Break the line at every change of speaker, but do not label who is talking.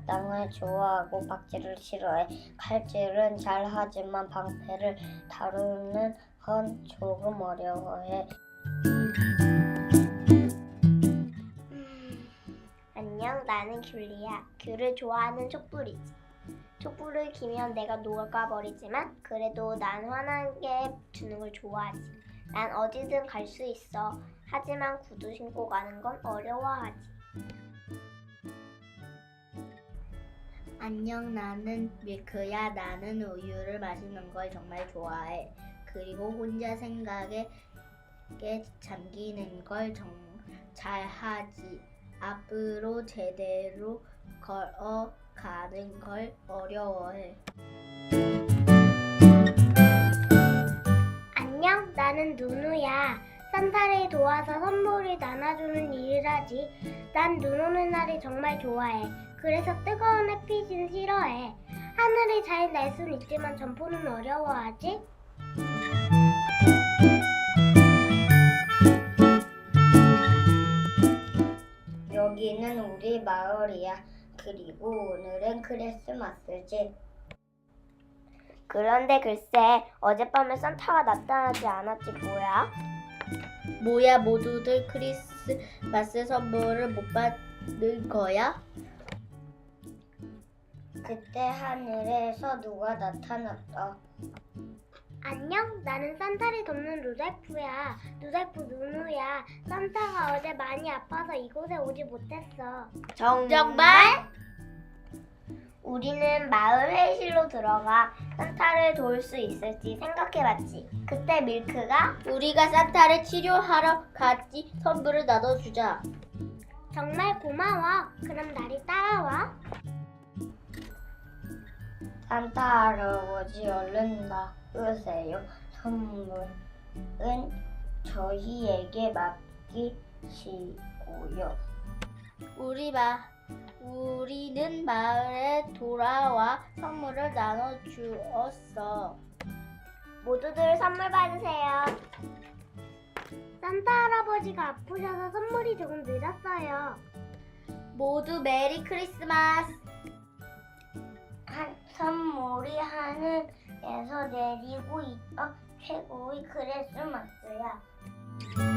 마땅을 좋아하고 박질을 싫어해. 칼질은 잘하지만 방패를 다루는 건 조금 어려워해.
안녕, 나는 귤리야. 귤을 좋아하는 촛불이지. 촛불을 키면 내가 녹아버리지만 그래도 난 환하게 주는 걸 좋아하지. 난 어디든 갈 수 있어. 하지만 구두 신고 가는 건 어려워하지.
안녕, 나는 밀크야. 나는 우유를 마시는 걸 정말 좋아해. 그리고 혼자 생각에 잠기는 걸 잘하지. 앞으로 제대로 걸어가는 걸 어려워해.
안녕, 나는 누누야. 산타를 도와서 선물을 나눠주는 일을 하지. 난 눈 오는 날이 정말 좋아해. 그래서 뜨거운 햇빛은 싫어해. 하늘을 잘 날 순 있지만 점포는 어려워하지.
여기는 우리 마을이야. 그리고 오늘은 크리스마스지.
그런데 글쎄, 어젯밤에 산타가 나타나지 않았지 뭐야?
모두들 크리스마스 선물을 못 받는 거야?
그때 하늘에서 누가 나타났다.
안녕, 나는 산타를 돕는 루돌프야. 루돌프 누누야. 산타가 어제 많이 아파서 이곳에 오지 못했어.
정말?
우리는 마을 회의실로 들어가 산타를 도울 수 있을지 생각해봤지. 그때 밀크가
우리가 산타를 치료하러 갔지. 선물을 나눠주자.
정말 고마워. 그럼 나를 따라와.
산타 할아버지 얼른 나으세요. 선물은 저희에게 맡기시고요.
우리는 마을에 돌아와 선물을 나눠주었어.
모두들 선물 받으세요. 산타 할아버지가 아프셔서 선물이 조금 늦었어요.
모두 메리 크리스마스.
선물이 하늘에서 내리고 있던 최고의 크리스마스야.